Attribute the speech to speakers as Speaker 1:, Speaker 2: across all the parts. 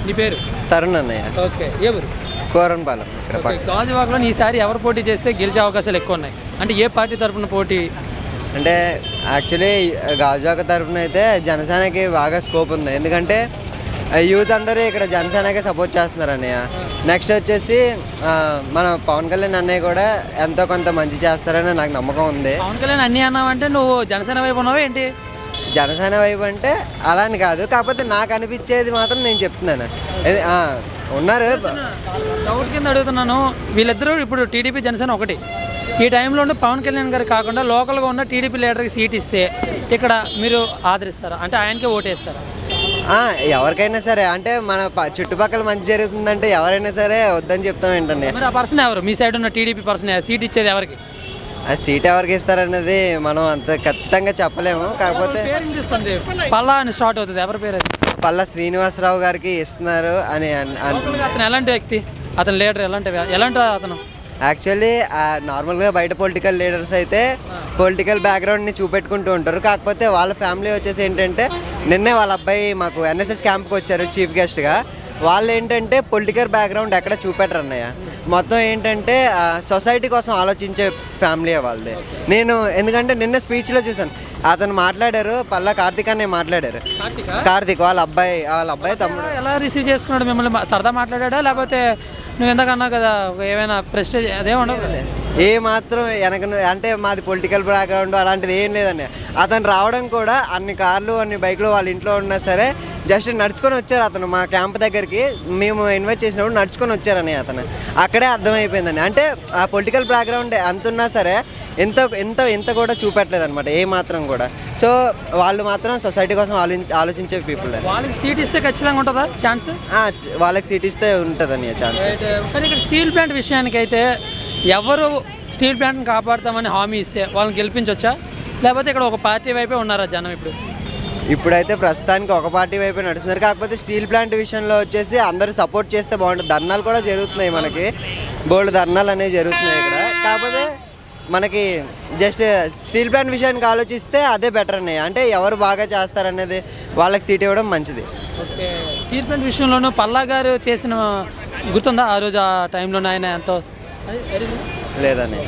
Speaker 1: నీ పేరు?
Speaker 2: తరుణ్ అన్నయ్య.
Speaker 1: ఓకే, ఎవరు?
Speaker 2: కోరన్పాలెం. ఇక్కడ
Speaker 1: గాజువాకలో ఈసారి ఎవరు పోటీ చేస్తే గెలిచే అవకాశాలు ఎక్కువ ఉన్నాయి? అంటే ఏ పార్టీ తరపున పోటీ?
Speaker 2: అంటే యాక్చువల్లీ గాజువాక తరఫున అయితే జనసేనకి బాగా స్కోప్ ఉంది. ఎందుకంటే యూత్ అందరూ ఇక్కడ జనసేనకే సపోర్ట్ చేస్తున్నారు అన్నయ్య. నెక్స్ట్ వచ్చేసి మన పవన్ కళ్యాణ్ అన్నయ్య కూడా ఎంతో కొంత మంచి చేస్తారని నాకు నమ్మకం ఉంది.
Speaker 1: పవన్ కళ్యాణ్ అన్నీ అన్నావంటే నువ్వు జనసేన వైపు ఉన్నావా ఏంటి?
Speaker 2: జనసేన వైపు అంటే అలా అని కాదు, కాకపోతే నాకు అనిపించేది మాత్రం నేను చెప్తున్నాను. ఉన్నారు.
Speaker 1: డౌట్ కింద అడుగుతున్నాను, వీళ్ళిద్దరూ ఇప్పుడు టీడీపీ జనసేన ఒకటి. ఈ టైంలో పవన్ కళ్యాణ్ గారు కాకుండా లోకల్గా ఉన్న టీడీపీ లీడర్కి సీట్ ఇస్తే ఇక్కడ మీరు ఆదరిస్తారా? అంటే ఆయనకే ఓటేస్తారా?
Speaker 2: ఎవరికైనా సరే, అంటే మన చుట్టుపక్కల మంచి జరుగుతుందంటే ఎవరైనా సరే వద్దని చెప్తాం ఏంటండి.
Speaker 1: మరి ఆ పర్సన్ ఎవరు? మీ సైడ్ ఉన్న టీడీపీ పర్సన్ సీట్ ఇచ్చేది ఎవరికి?
Speaker 2: ఆ సీట్ ఎవరికి ఇస్తారన్నది మనం అంత ఖచ్చితంగా చెప్పలేము. కాకపోతే
Speaker 1: పల్లా అని స్టార్ట్ అవుతుంది, ఎవరి పేరు అది?
Speaker 2: పల్లా శ్రీనివాసరావు గారికి ఇస్తున్నారు అని.
Speaker 1: అతను ఎలాంటి వ్యక్తి? అతను లీడర్ ఎలాంటి అతను?
Speaker 2: యాక్చువల్లీ నార్మల్గా బయట పొలిటికల్ లీడర్స్ అయితే పొలిటికల్ బ్యాక్గ్రౌండ్ని చూపెట్టుకుంటూ ఉంటారు. కాకపోతే వాళ్ళ ఫ్యామిలీ వచ్చేసి ఏంటంటే, నిన్నే వాళ్ళ అబ్బాయి మాకు ఎన్ఎస్ఎస్ క్యాంప్కి వచ్చారు చీఫ్ గెస్ట్గా. వాళ్ళు ఏంటంటే పొలిటికల్ బ్యాక్గ్రౌండ్ ఎక్కడ చూపెట్టరు అన్నయ్య. మొత్తం ఏంటంటే సొసైటీ కోసం ఆలోచించే ఫ్యామిలీ వాళ్ళది. నేను ఎందుకంటే నిన్న స్పీచ్లో చూసాను, అతను మాట్లాడారు, పల్లా కార్తీక్ అనే మాట్లాడారు. కార్తీక్ వాళ్ళ అబ్బాయి తమ్ముడు.
Speaker 1: ఎలా రిసీవ్ చేసుకున్నాడు మిమ్మల్ని? సరదా మాట్లాడా లేకపోతే నువ్వు ఎంతకన్నా కదా ఏమైనా ప్రెస్టేజ్ అదే ఉండదు?
Speaker 2: ఏ మాత్రం వెనక అంటే మాది పొలిటికల్ బ్యాక్గ్రౌండ్ అలాంటిది ఏం లేదండి. అతను రావడం కూడా అన్ని కార్లు అన్ని బైక్లు వాళ్ళ ఇంట్లో ఉన్నా సరే జస్ట్ నడుచుకొని వచ్చారు. అతను మా క్యాంప్ దగ్గరికి మేము ఇన్వైట్ చేసినప్పుడు నడుచుకొని వచ్చారని అతను అక్కడే అర్థమైపోయిందండి. అంటే ఆ పొలిటికల్ బ్యాక్గ్రౌండ్ ఎంత ఉన్నా సరే ఎంత కూడా చూపెట్టలేదు అనమాట, ఏ మాత్రం కూడా. సో వాళ్ళు మాత్రం సొసైటీ కోసం ఆలోచించే పీపుల్.
Speaker 1: వాళ్ళకి సీట్ ఇస్తే ఖచ్చితంగా ఉంటుందా ఛాన్స్?
Speaker 2: వాళ్ళకి సీట్ ఇస్తే ఉంటుందని ఛాన్స్.
Speaker 1: కానీ ఇక్కడ స్టీల్ ప్లాంట్ విషయానికి అయితే ఎవరు స్టీల్ ప్లాంట్ని కాపాడుతామని హామీ ఇస్తే వాళ్ళని గెలిపించవచ్చా? లేకపోతే ఇక్కడ ఒక పార్టీ వైపే ఉన్నారా జనం?
Speaker 2: ఇప్పుడైతే ప్రస్తుతానికి ఒక పార్టీ వైపే నడుస్తున్నారు. కాకపోతే స్టీల్ ప్లాంట్ విషయంలో వచ్చేసి అందరూ సపోర్ట్ చేస్తే బాగుంటుంది. ధర్నాలు కూడా జరుగుతున్నాయి, మనకి బోల్డ్ ధర్నాలు అనేవి జరుగుతున్నాయి ఇక్కడ. కాకపోతే మనకి జస్ట్ స్టీల్ ప్లాంట్ విషయానికి ఆలోచిస్తే అదే బెటర్ అన్నయ్య. అంటే ఎవరు బాగా చేస్తారనేది వాళ్ళకి సీట్ ఇవ్వడం మంచిది.
Speaker 1: ఓకే, స్టీల్ ప్లాంట్ విషయంలోనూ పల్లా గారు చేసిన గుర్తుందా ఆ రోజు? ఆ టైంలో ఆయన ఎంతో
Speaker 2: లేదని.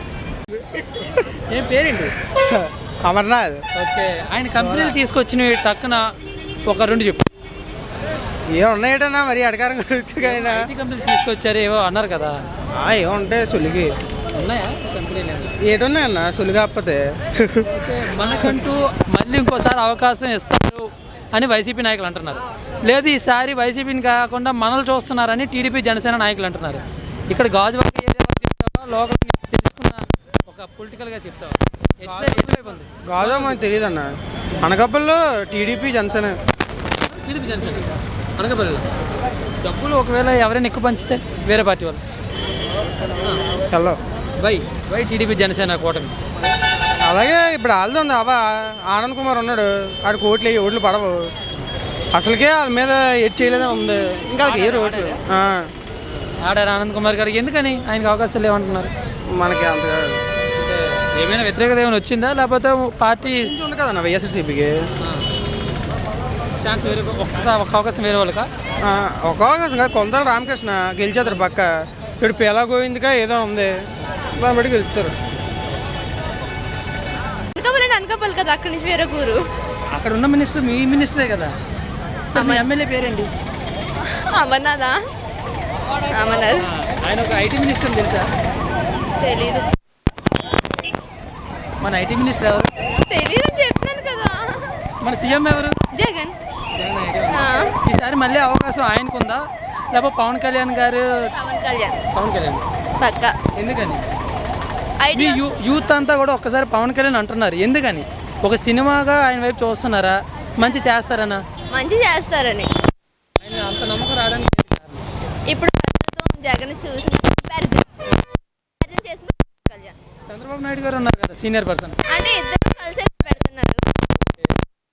Speaker 1: ఏం పేరేంటి?
Speaker 3: అమర్నాథ్.
Speaker 1: ఓకే, ఆయన కంపెనీలు తీసుకొచ్చినవి టక్కున ఒక రెండు చెప్పు.
Speaker 3: ఏమున్నాయటన్నా మరి అడగారం
Speaker 1: ఐటీ కంపెనీలు తీసుకొచ్చారు ఏవో అన్నారు కదా,
Speaker 3: ఏముంటాయి సులిగి
Speaker 1: ఉన్నాయా కంపెనీలు?
Speaker 3: ఏటున్నాయన్న సులి కాకపోతే.
Speaker 1: మనకంటూ మళ్ళీ ఇంకోసారి అవకాశం ఇస్తారు అని వైసీపీ నాయకులు అంటున్నారు. లేదు ఈసారి వైసీపీని కాకుండా మనల్ని చూస్తున్నారని టీడీపీ జనసేన నాయకులు అంటున్నారు. ఇక్కడ గాజువాక ఏరియాలో చెప్తావా, లోకల్ తెలుసుకున్న ఒక పొలిటికల్గా చెప్తావా?
Speaker 3: గాజువాక మనకు తెలియదు అన్న. అనకాపల్లిలో టీడీపీ జనసేన.
Speaker 1: అనకాపల్లిలో డబ్బులు ఒకవేళ ఎవరైనా ఎక్కువ పంచితే వేరే పార్టీ వాళ్ళు
Speaker 3: హలో
Speaker 1: వై టీడీపీ జనసేన కూటమి?
Speaker 3: అలాగే ఇప్పుడు వాళ్ళది ఉంది. ఆనంద్ కుమార్ ఉన్నాడు, ఆడికి ఓట్లు పడవు అసలుకే. వాళ్ళ మీద ఎడ్ చేయలేదని ఉంది, ఇంకా ఏ ఓట్లు
Speaker 1: ఆడారు ఆనంద్ కుమార్ గారికి. ఎందుకని ఆయనకు అవకాశాలు లేవంటున్నారు?
Speaker 3: మనకి అంత
Speaker 1: ఏమైనా వ్యతిరేకత ఏమైనా వచ్చిందా, లేకపోతే పార్టీ
Speaker 3: ఉంది కదన్న వైఎస్ఆర్సీపీకి
Speaker 1: ఛాన్స్ వేరే ఒక అవకాశం వేరే వాళ్ళకా?
Speaker 3: ఒక అవకాశం కాదు, కొందరు రామకృష్ణ గెలిచేస్తారు పక్క. ఇప్పుడు పేలా గోవింద్గా ఏదో ఉంది, దాన్ని బట్టి గెలుస్తారు.
Speaker 4: అనకాపల్లి కదా, అక్కడి నుంచి వేరే ఊరు.
Speaker 1: అక్కడ ఉన్న మినిస్టర్ మీ మినిస్టరే కదా. మీ ఎమ్మెల్యే పేరేంటి?
Speaker 4: అమర్నాథ్.
Speaker 1: ఆయన ఒక ఐటీ మినిస్టర్ తెలుసా?
Speaker 4: తెలీదు.
Speaker 1: మన ఐటీ మినిస్టర్ ఎవరు?
Speaker 4: తెలీదు చెప్తాను కదా.
Speaker 1: మన సీఎం ఎవరు?
Speaker 4: జగన్.
Speaker 1: ఈసారి మళ్ళీ అవకాశం ఆయనకుందా, లేకపోతే పవన్ కళ్యాణ్ గారు? పవన్ కళ్యాణ్
Speaker 4: పక్క.
Speaker 1: ఎందుకని? యూత్ అంతా కూడా ఒక్కసారి పవన్ కళ్యాణ్ అంటున్నారు, ఎందుకని? ఒక సినిమాగా ఆయన వైపు చూస్తున్నారా? మంచి చేస్తారనా?
Speaker 4: మంచి చేస్తారని.
Speaker 1: అంత నమ్మకం రావడానికి
Speaker 4: ఇప్పుడు జగన్ చూసి
Speaker 1: చంద్రబాబు నాయుడు గారు ఉన్నారు కదా, సీనియర్ పర్సన్.
Speaker 4: అంటే